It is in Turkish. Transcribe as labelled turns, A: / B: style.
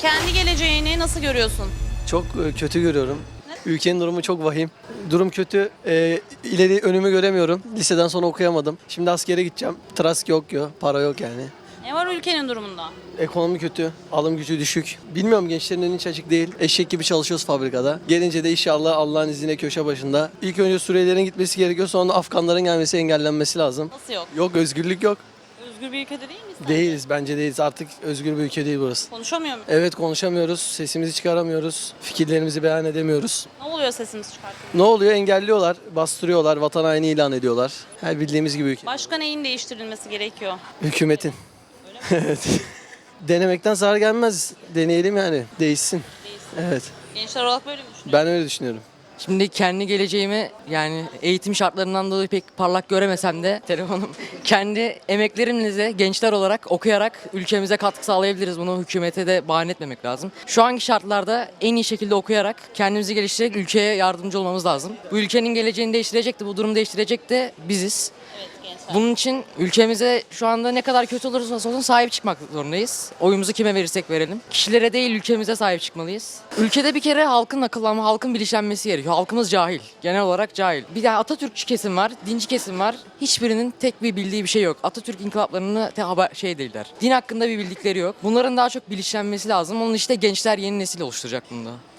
A: Kendi geleceğini nasıl görüyorsun?
B: Çok kötü görüyorum. Ülkenin durumu çok vahim. Durum kötü. İleri önümü göremiyorum. Liseden sonra okuyamadım. Şimdi askere gideceğim. Trask yok, para yok yani.
A: Ne var ülkenin durumunda?
B: Ekonomi kötü, alım gücü düşük. Bilmiyorum, gençlerin önü hiç açık değil. Eşek gibi çalışıyoruz fabrikada. Gelince de inşallah Allah'ın izniyle köşe başında. İlk önce Suriyelilerin gitmesi gerekiyor, sonra da Afganların gelmesi engellenmesi lazım.
A: Nasıl yok?
B: Yok, özgürlük yok.
A: Özgür bir ülkede değil miyiz? sence?
B: Değiliz, bence değiliz. Artık özgür bir ülke değil burası.
A: Konuşamıyor muyuz?
B: Evet, konuşamıyoruz, sesimizi çıkaramıyoruz, fikirlerimizi beyan edemiyoruz.
A: Ne oluyor sesimiz çıkartıyor?
B: Ne oluyor? Engelliyorlar, bastırıyorlar, vatan haini ilan ediyorlar. Her bildiğimiz gibi ülke.
A: Başka neyin değiştirilmesi gerekiyor?
B: Hükümetin. Evet. Denemekten zarar gelmez. Deneyelim yani. Değişsin. Evet.
A: Gençler olarak böyle mi düşünüyorsun?
B: Ben öyle düşünüyorum.
C: Şimdi kendi geleceğimi yani eğitim şartlarından dolayı pek parlak göremesem de telefonum kendi emeklerimizle gençler olarak okuyarak ülkemize katkı sağlayabiliriz. Bunu hükümete de bahane etmemek lazım. Şu anki şartlarda en iyi şekilde okuyarak kendimizi geliştirerek ülkeye yardımcı olmamız lazım. Bu ülkenin geleceğini değiştirecek de bu durumu değiştirecek de biziz.
A: Evet gençler.
C: Bunun için ülkemize şu anda ne kadar kötü olursa olsun sahip çıkmak zorundayız. Oyumuzu kime verirsek verelim. Kişilere değil ülkemize sahip çıkmalıyız. Ülkede bir kere halkın akıllanma, halkın bilinçlenmesi gerekiyor. Halkımız cahil. Genel olarak cahil. Bir de Atatürkçü kesim var, dinci kesim var. Hiçbirinin tek bir bildiği bir şey yok. Atatürk inkılaplarını şey değiller. Din hakkında bir bildikleri yok. Bunların daha çok bilinçlenmesi lazım. Onun işte gençler yeni nesil oluşturacak bunda.